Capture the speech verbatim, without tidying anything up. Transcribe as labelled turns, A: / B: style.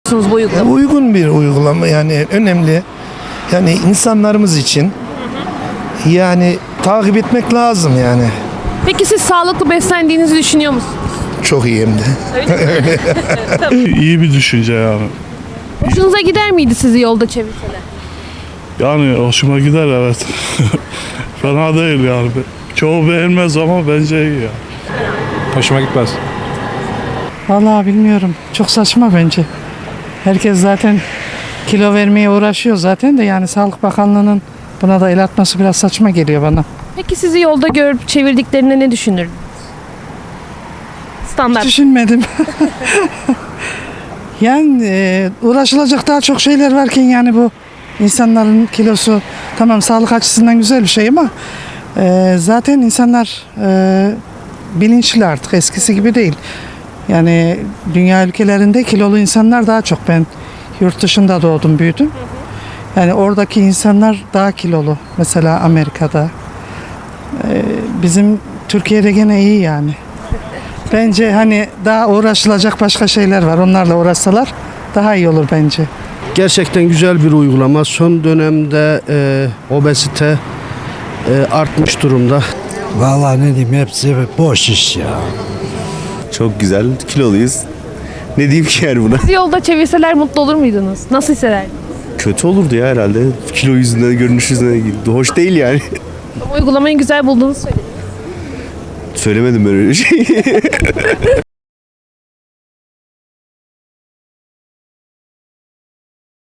A: musunuz bu
B: Ya
A: uygulamayı?
B: uygun bir uygulama, yani önemli. Yani insanlarımız için yani takip etmek lazım yani.
A: Peki siz sağlıklı beslendiğinizi düşünüyor musunuz?
B: Çok iyi hem de.
C: İyi bir düşünce yani.
A: Hoşunuza gider miydi sizi yolda çevirseler?
C: Yani hoşuma gider, evet. Fena değil yani. Çoğu beğenmez ama bence iyi ya.
D: Hoşuma gitmez.
E: Vallahi bilmiyorum. Çok saçma bence. Herkes zaten kilo vermeye uğraşıyor zaten de, yani Sağlık Bakanlığı'nın buna da el atması biraz saçma geliyor bana.
A: Peki sizi yolda görüp çevirdiklerinde ne düşünürdünüz? Standart.
E: Düşünmedim. Yani e, uğraşılacak daha çok şeyler varken, yani bu insanların kilosu tamam sağlık açısından güzel bir şey ama e, zaten insanlar e, bilinçli artık, eskisi gibi değil. Yani dünya ülkelerinde kilolu insanlar daha çok. Ben yurt dışında doğdum, büyüdüm. Yani oradaki insanlar daha kilolu. Mesela Amerika'da. Ee, bizim Türkiye'de gene iyi yani. Bence hani daha uğraşılacak başka şeyler var. Onlarla uğraşsalar daha iyi olur bence.
F: Gerçekten güzel bir uygulama. Son dönemde e, obezite e, artmış durumda.
G: Vallahi ne diyeyim, hepsi boş iş ya.
H: Çok güzel, kiloluyuz. Ne diyeyim ki yani buna?
A: Sizi yolda çevirseler mutlu olur muydunuz? Nasıl hissederdiniz?
H: Kötü olurdu ya herhalde. Kilo yüzünden, görünüş yüzünden. Hoş değil yani.
A: Ama uygulamayı güzel bulduğunuzu söylediniz.
H: Söylemedim ben öyle şey.